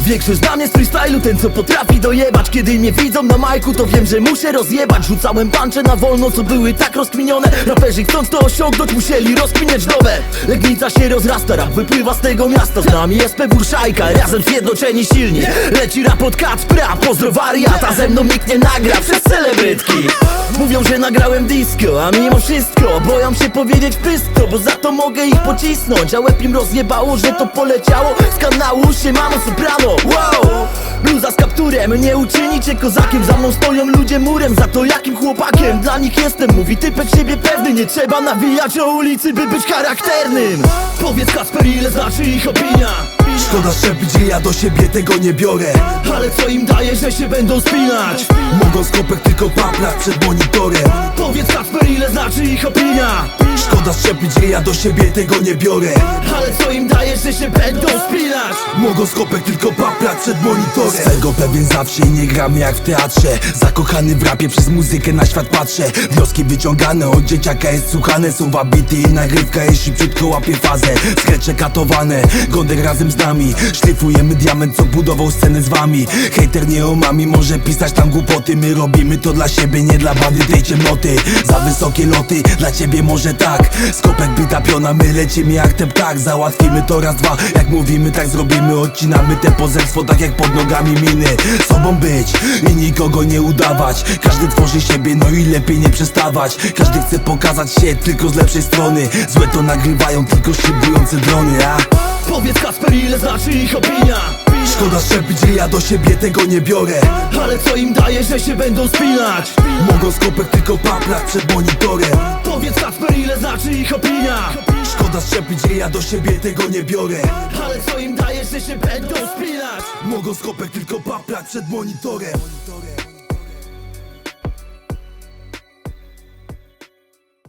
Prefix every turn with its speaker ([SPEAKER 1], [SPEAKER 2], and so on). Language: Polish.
[SPEAKER 1] Większość zna mnie z freestylu, ten co potrafi dojebać. Kiedy mnie widzą na majku, to wiem, że muszę rozjebać. Rzucałem puncze na wolno, co były tak rozkminione. Raperzy chcąc to osiągnąć, musieli rozkminiać nowe. Legnica się rozrasta, rap wypływa z tego miasta. Z nami jest Burszajka, razem zjednoczeni silni. Leci rap od Kacpra, pozdro wariata. Ze mną nikt nie nagra, przez celebrytki. Mówią, że nagrałem disco, a mimo wszystko boją się powiedzieć wszystko, bo za to mogę ich pocisnąć. A łeb im rozjebało, że to poleciało z kanału Siemano Soprano. Wow! Bluza z kapturem, nie uczynicie kozakiem. Za mną stoją ludzie murem, za to jakim chłopakiem dla nich jestem. Mówi typek siebie pewny, nie trzeba nawijać o ulicy, by być charakternym. Powiedz Kacper, ile znaczy ich opinia?
[SPEAKER 2] Szkoda szczepić, że ja do siebie tego nie biorę.
[SPEAKER 1] Ale co im daje, że się będą spinać?
[SPEAKER 2] Mogą skopek tylko paplać przed monitorem.
[SPEAKER 1] Powiedz Kacper, ile znaczy ich opinia?
[SPEAKER 2] Szkoda szczepić, że ja do siebie tego nie biorę.
[SPEAKER 1] Ale co im daje, że się będą spinać?
[SPEAKER 2] Mogą skopek tylko paplać przed monitorem. Swego pewien zawsze i nie gram jak w teatrze. Zakochany w rapie, przez muzykę na świat patrzę. Wnioski wyciągane od dzieciaka jest słuchane. Są wabity i nagrywka jest szybciutko łapie fazę. Skrecze katowane, Gondek razem z nami. Szlifujemy diament, co budował scenę z wami. Hejter nie omami, może pisać tam głupoty. My robimy to dla siebie, nie dla bandy tej ciemnoty. Za wysokie loty, dla ciebie może tak. Skopek bita piona, my lecimy jak ten ptak. Załatwimy to raz, dwa, jak mówimy tak zrobimy. Odcinamy te pozerstwo tak jak pod nogami miny. Sobą być i nikogo nie udawać. Każdy tworzy siebie, no i lepiej nie przestawać. Każdy chce pokazać się tylko z lepszej strony. Złe to nagrywają tylko szybujące drony, a?
[SPEAKER 1] Powiedz Kacper, ile znaczy ich opinia?
[SPEAKER 2] Szkoda szczepić, że ja do siebie tego nie biorę.
[SPEAKER 1] Ale co im daje, że się będą spinać?
[SPEAKER 2] Mogą skopek tylko paplać przed monitorem.
[SPEAKER 1] Powiedz Kacper, ile znaczy ich opinia?
[SPEAKER 2] Szkoda szczepić, że ja do siebie tego nie biorę.
[SPEAKER 1] Ale co im daje, że się będą spinać?
[SPEAKER 2] Mogą skopek tylko paplać przed monitorem.